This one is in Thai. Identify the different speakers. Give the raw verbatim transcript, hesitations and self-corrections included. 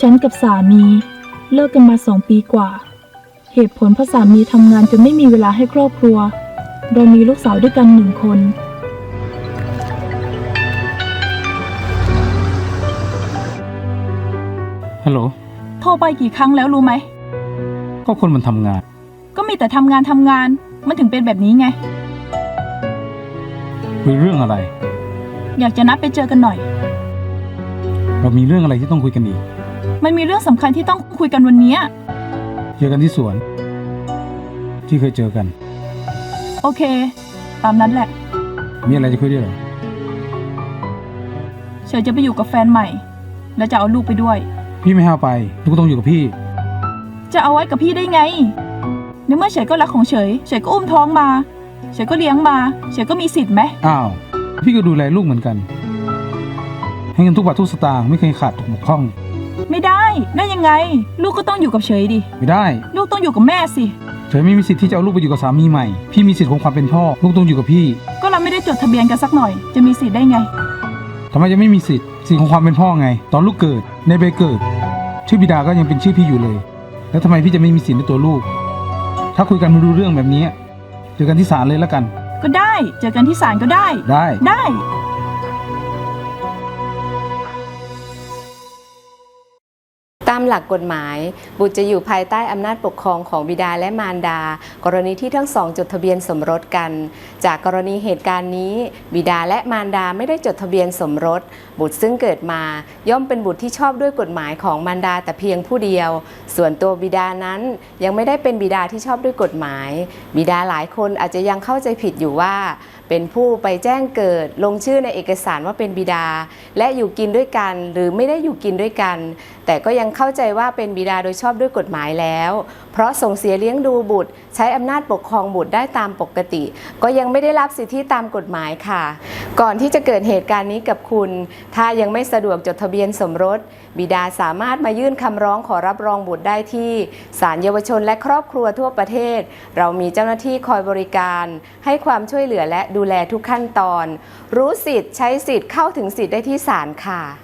Speaker 1: ฉันกับสามีเลิกกันมาสองปีกว่าเหตุผลเพราะสามีทำงานจนไม่มีเวลาให้ครอบครัวเรามีลูกสาวด้วยกันหนึ่งคน
Speaker 2: ฮัลโหล
Speaker 1: โทรไปกี่ครั้งแล้วรู้ไหม
Speaker 2: ก็คนมันทำงาน
Speaker 1: ก็มีแต่ทำงานทำงานมันถึงเป็นแบบนี้ไง
Speaker 2: คุยเรื่องอะไร
Speaker 1: อยากจะนัดไปเจอกันหน่อย
Speaker 2: เรามีเรื่องอะไรที่ต้องคุยกันอีก
Speaker 1: มันมีเรื่องสำคัญที่ต้องคุยกันวันนี้
Speaker 2: เจอกันที่สวนที่เคยเจอกัน
Speaker 1: โอเคตามนั้นแหละ
Speaker 2: มีอะไรจะคุยด้วยเหรอ
Speaker 1: เฉยจะไปอยู่กับแฟนใหม่แล้วจะเอาลูกไปด้วย
Speaker 2: พี่ไม่ให้เอาไปลูกต้องอยู่กับพี่
Speaker 1: จะเอาไว้กับพี่ได้ไงในเมื่อเฉยก็รักของเฉยเฉยก็อุ้มท้องมาเฉยก็เลี้ยงมาเฉยก็มีสิทธิ์ไหม
Speaker 2: อ้าวพี่ก็ดูแลลูกเหมือนกันให้เงินทุกบาททุกสตางค์ไม่เคยขาดตกบกพร่อง
Speaker 1: ไม่ได้ได้ยังไงลูกก็ต้องอยู่กับเฉยดิ
Speaker 2: ไม่ได้
Speaker 1: ลูกต้องอยู่กับแม่สิ
Speaker 2: เฉยไม่มีสิทธิ์ที่จะเอาลูกไปอยู่กับสามีใหม่พี่มีสิทธิ์ของความเป็นพ่อลูกต้องอยู่กับพี่
Speaker 1: ก็เราไม่ได้จดทะเบียนกันสักหน่อยจะมีสิทธิ์ได้ไง
Speaker 2: ทำไมจะไม่มีสิทธิ์สิทธิ์ของความเป็นพ่อไงตอนลูกเกิดในใบเกิดชื่อบิดาก็ยังเป็นชื่อพี่อยู่เลยแล้วทำไมพี่จะไม่มีสิทธิ์ในตัวลูกถ้าคุยกันไม่รู้เรื่องแบบนี้เจอกันที่ศาลเลยแล้วกัน
Speaker 1: ก็ได้เจอกันที่ศาลก็ได้
Speaker 2: ได้
Speaker 1: ได้
Speaker 3: ตามหลักกฎหมายบุตรจะอยู่ภายใต้อำนาจปกครองของบิดาและมารดากรณีที่ทั้งสองจดทะเบียนสมรสกันจากกรณีเหตุการณ์นี้บิดาและมารดาไม่ได้จดทะเบียนสมรสบุตรซึ่งเกิดมาย่อมเป็นบุตรที่ชอบด้วยกฎหมายของมารดาแต่เพียงผู้เดียวส่วนตัวบิดานั้นยังไม่ได้เป็นบิดาที่ชอบด้วยกฎหมายบิดาหลายคนอาจจะยังเข้าใจผิดอยู่ว่าเป็นผู้ไปแจ้งเกิดลงชื่อในเอกสารว่าเป็นบิดาและอยู่กินด้วยกันหรือไม่ได้อยู่กินด้วยกันแต่ก็ยังเข้าใจว่าเป็นบิดาโดยชอบด้วยกฎหมายแล้วเพราะส่งเสียเลี้ยงดูบุตรใช้อำนาจปกครองบุตรได้ตามปกติก็ยังไม่ได้รับสิทธิตามกฎหมายค่ะก่อนที่จะเกิดเหตุการณ์นี้กับคุณถ้ายังไม่สะดวกจดทะเบียนสมรสบิดาสามารถมายื่นคำร้องขอรับรองบุตรได้ที่ศาลเยาวชนและครอบครัวทั่วประเทศเรามีเจ้าหน้าที่คอยบริการให้ความช่วยเหลือและดูแลทุกขั้นตอนรู้สิทธิ์ใช้สิทธิ์เข้าถึงสิทธิ์ได้ที่ศาลค่ะ